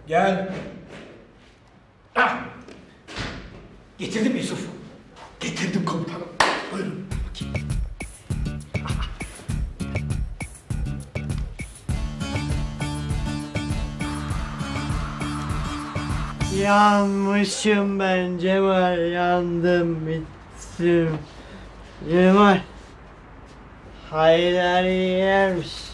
Gel. Ah! Getirdim Yusuf. Getirdim komutanım. Buyurun. Yanmışım ben Cemal, yandım bittim. Cemal, Haydar yer misin?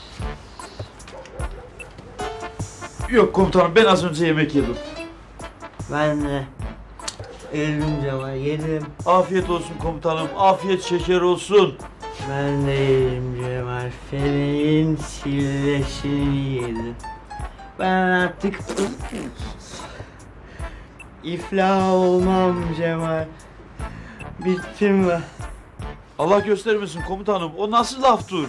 Yok komutanım, ben az önce yemek yedim. Ben de yedim Cemal, yedim. Afiyet olsun komutanım, afiyet şeker olsun. Ben de yedim Cemal, feleğin silleşini yedim. Ben artık iflah olmam Cemal. Bittim ben. Allah göstermesin komutanım, o nasıl laftır?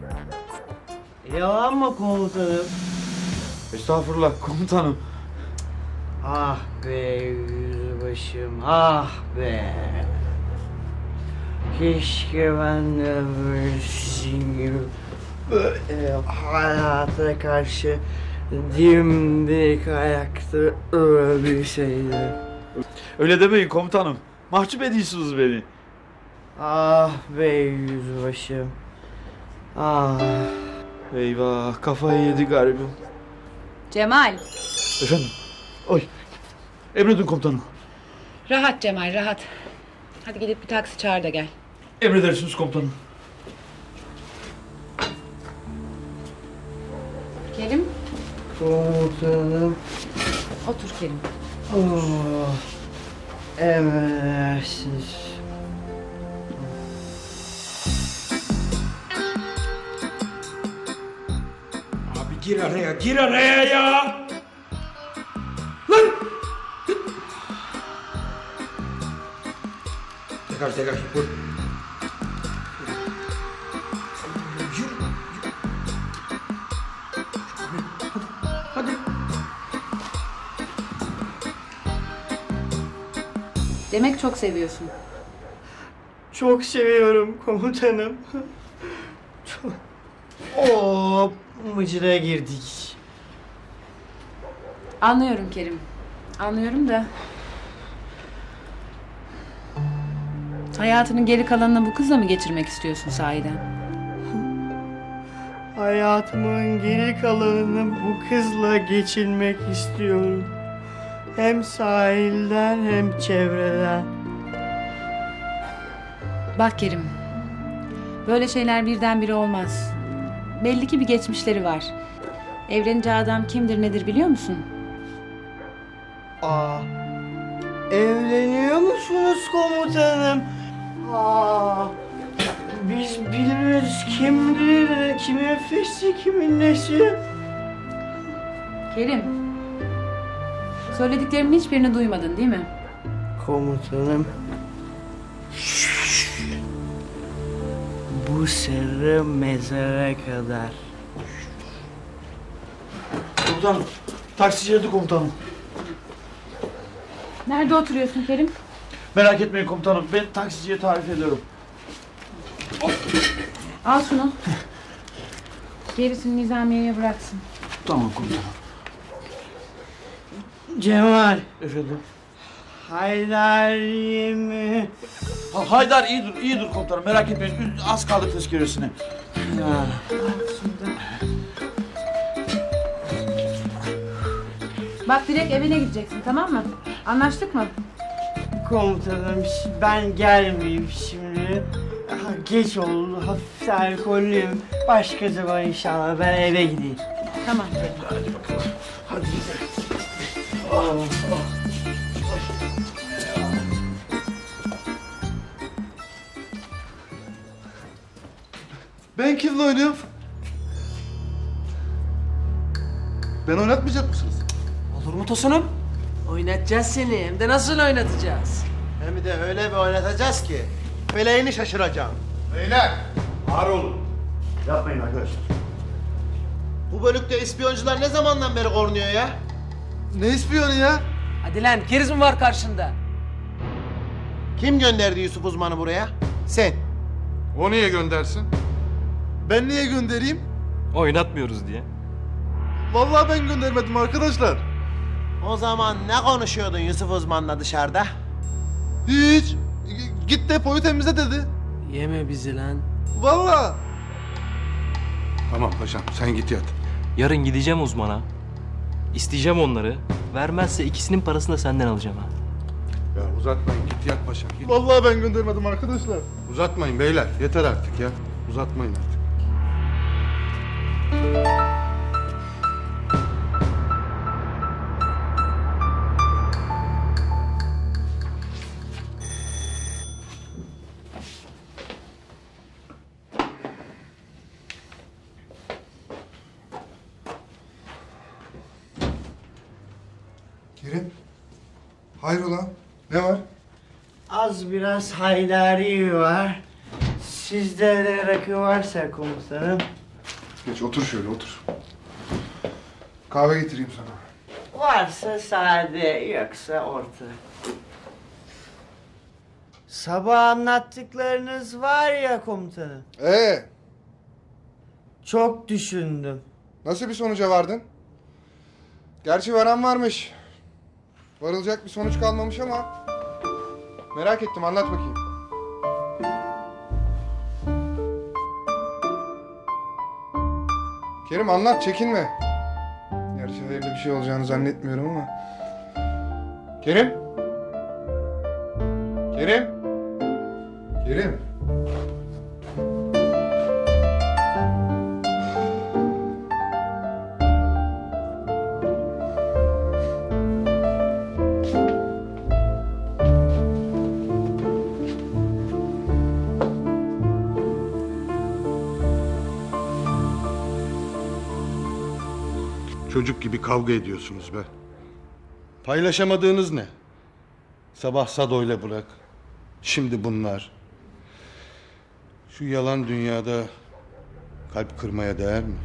Yalan mı komutanım? Estağfurullah komutanım. Ah be yüzbaşım, ah be. Keşke ben de böyle sizin gibi böyle hayata karşı dimdik ayakta ölebilseydim. Öyle demeyin komutanım, mahcup ediyorsunuz beni. Ah be yüzbaşım, ah. Eyvah, kafayı yedi garibim. Cemal. Efendim? Oy. Emredin komutanım. Rahat Cemal, rahat. Hadi gidip bir taksi çağır da gel. Emredersiniz komutanım. Kerim, Komutanım, otur Kerim. oh. Emredersiniz. Abi gir araya ya. Lan! Tekrar vur. Yürü. Hadi. Demek çok seviyorsun. Çok seviyorum komutanım. Çok. Oo, mıcıra girdik. Anlıyorum Kerim. Anlıyorum da... Hayatının geri kalanını bu kızla mı geçirmek istiyorsun sahiden? Hayatımın geri kalanını bu kızla geçirmek istiyorum. Hem sahilden hem çevreden. Bak Kerim, böyle şeyler birdenbire olmaz. Belli ki bir geçmişleri var. Evleneceği adam kimdir nedir biliyor musun? Aa, evleniyor musunuz komutanım? Aa, biz bilmiyoruz kimdir, kimin fesi, kimin nesi. Kerim, söylediklerimin hiçbirini duymadın değil mi? Komutanım. Bu sırrı mezara kadar. Komutanım, taksici geldi komutanım. Nerede oturuyorsun Kerim? Merak etmeyin komutanım, ben taksiciye tarif ediyorum. Al şunu. Gerisini Nizamiye'ye bıraksın. Tamam komutanım. Cemal, Efendim? Haydar mi? Haydar iyi dur komutanım, merak etmeyin, az kaldı tezkeresine. Ha. Bak direkt evine gideceksin tamam mı? Anlaştık mı? Komutanım ben gelmeyeyim şimdi. Geç oldu, hafif alkollüyüm. Başka zaman inşallah ben eve gideyim. Tamam Kerim. Hadi bakalım, hadi gidelim. Ben kimle oynuyorum? Ben oynatmayacak mısınız? Olur mu Tosunum? Oynatacağız seni. Hem de nasıl oynatacağız? Hem de öyle bir oynatacağız ki feleğini şaşıracağım. Beyler, ağır olun. Yapmayın arkadaşlar. Bu bölükte ispiyoncular ne zamandan beri korunuyor ya? Ne ispiyonu ya? Hadi lan keriz mi var karşında? Kim gönderdi Yusuf Uzman'ı buraya? Sen. O niye göndersin? Ben niye göndereyim? Oynatmıyoruz diye. Vallahi ben göndermedim arkadaşlar. O zaman ne konuşuyordun Yusuf Uzman'la dışarıda? Hiç. Git depoyu temizle dedi. Yeme bizi lan. Vallahi. Tamam paşam sen git yat. Yarın gideceğim uzmana. İsteyeceğim onları. Vermezse ikisinin parasını da senden alacağım ha. Ya uzatmayın git yat paşam git. Vallahi ben göndermedim arkadaşlar. Uzatmayın beyler yeter artık ya. Uzatmayın artık. Kerim. Hayrola? Ne var? Az biraz haydari var. Sizde de rakı varsa komutanım. Geç otur şöyle otur. Kahve getireyim sana. Varsa sade, yoksa orta. Sabah anlattıklarınız var ya komutanım. Çok düşündüm. Nasıl bir sonuca vardın? Gerçi varan varmış. Varılacak bir sonuç kalmamış ama... Merak ettim, anlat bakayım. Kerim anlat, çekinme. Gerçi hayırlı bir şey olacağını zannetmiyorum ama... Kerim? Kerim? Kerim? Çocuk gibi kavga ediyorsunuz be. Paylaşamadığınız ne? Sabah Sado'yla bırak. Şimdi bunlar. Şu yalan dünyada kalp kırmaya değer mi?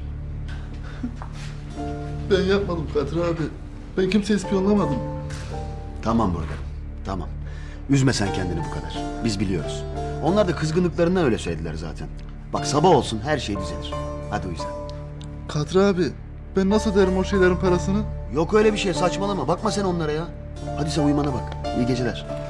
Ben yapmadım Kadir abi. Ben kimseyi ispiyonlamadım. Tamam burada. Tamam. Üzme sen kendini bu kadar. Biz biliyoruz. Onlar da kızgınlıklarından öyle söylediler zaten. Bak sabah olsun her şey düzelir. Hadi uyu sen. Kadir abi, ben nasıl öderim o şeylerin parasını? Yok öyle bir şey saçmalama. Bakma sen onlara ya. Hadi sen uyumana bak. İyi geceler.